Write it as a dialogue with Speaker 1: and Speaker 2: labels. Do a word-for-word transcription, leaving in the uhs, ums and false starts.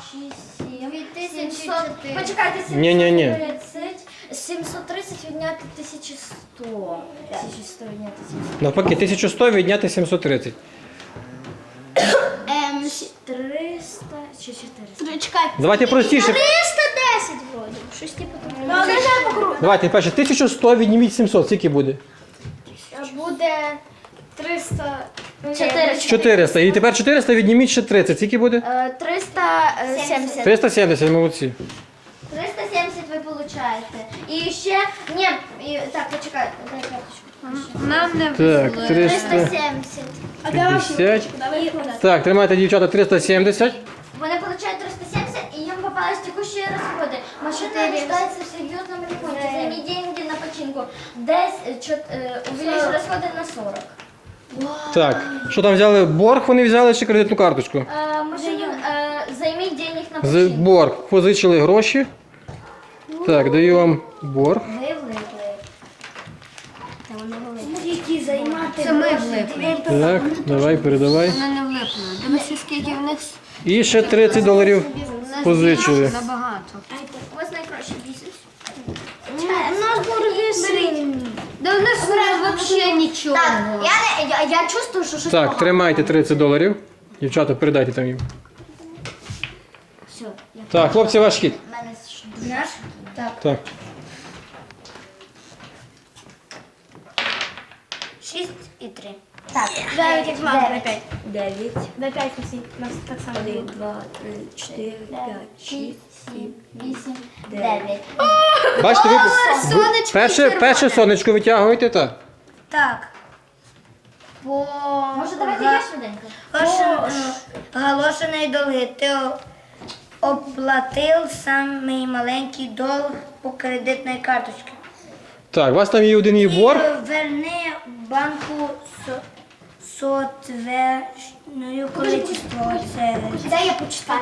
Speaker 1: шість, сім,
Speaker 2: Дві тисячі
Speaker 1: сімсот.
Speaker 2: чотири.
Speaker 1: Почекайте,
Speaker 3: Ні-ні-ні.
Speaker 1: сімсот тридцять. сімсот тридцять відняти тисяча сто. тисяча сто відняти тисяча сто.
Speaker 3: Навпаки, тисяча сто відняти сімсот тридцять.
Speaker 2: Ем,
Speaker 1: триста чи чотириста?
Speaker 2: чекайте.
Speaker 3: Давайте простіше.
Speaker 2: триста десять вроді. Щось типу такого.
Speaker 1: Ну, це по кругу.
Speaker 3: Давайте перше, тисяча сто відніміть сімсот, скільки буде?
Speaker 2: Буде триста.
Speaker 1: Чотириста.
Speaker 3: чотириста. І тепер чотириста відніміть ще тридцять, скільки буде?
Speaker 1: Е, триста сімдесят.
Speaker 3: триста сімдесят, молодці.
Speaker 1: триста сімдесят ви получаєте. І ще, ні, і, так, почекай, дай карточку.
Speaker 2: Нам не
Speaker 3: Так,
Speaker 1: триста
Speaker 3: триста
Speaker 1: сімдесят.
Speaker 3: п'ятдесят. Так, тримайте, дівчата, триста сімдесят.
Speaker 1: Вони получають триста сімдесят, і їм попались текущі розходи. Машина нуждается в серьезном ремонте. Займи деньги на починку. Десь чот, е, увеличь розходи на сорок.
Speaker 3: Так, що там взяли? Борг вони взяли чи кредитну карточку?
Speaker 1: Е, машину, е, займи денег на
Speaker 3: З
Speaker 1: починку.
Speaker 3: борг. Позичили гроші. Так, даю вам борг.
Speaker 1: Ви влипли. Та вони влипли.
Speaker 2: Які займати.
Speaker 1: Це ми влипли.
Speaker 3: Так, давай, передавай.
Speaker 2: Вони не влипли. Дивися, скільки в них
Speaker 3: І ще тридцять доларів позичили.
Speaker 2: набагато.
Speaker 1: У вас найкращий бізнес.
Speaker 2: У нас борги сині. Да у нас взагалі нічого.
Speaker 1: Так, я, не, я, я чувствую, що щось
Speaker 3: Так,
Speaker 1: погано.
Speaker 3: тримайте тридцять доларів. Дівчата, передайте там їм.
Speaker 1: Все, я
Speaker 3: Так, хлопці, ваш хід.
Speaker 1: в мене ж дуже. Так.
Speaker 3: Так.
Speaker 1: шість і три. Так.
Speaker 2: Дев'ять, як мама,
Speaker 1: Дев'ять.
Speaker 2: п'ять.
Speaker 1: дев'ять.
Speaker 2: Дай п'ять усі. У нас так само.
Speaker 1: один, два, три, чотири, п'ять, шість, сім, вісім, дев'ять.
Speaker 3: Бачите, ви
Speaker 2: сонечко
Speaker 3: перше,
Speaker 2: червоне.
Speaker 3: перше сонечко витягуєте, так?
Speaker 2: Так. По...
Speaker 1: Може, давайте я швиденько?
Speaker 2: Оголошений долги. Ти о- оплатив самий маленький долг по кредитній карточці.
Speaker 3: Так, у вас там є один і борг.
Speaker 2: Верни банку со- сотверною количество. Це
Speaker 1: Дай я почитаю.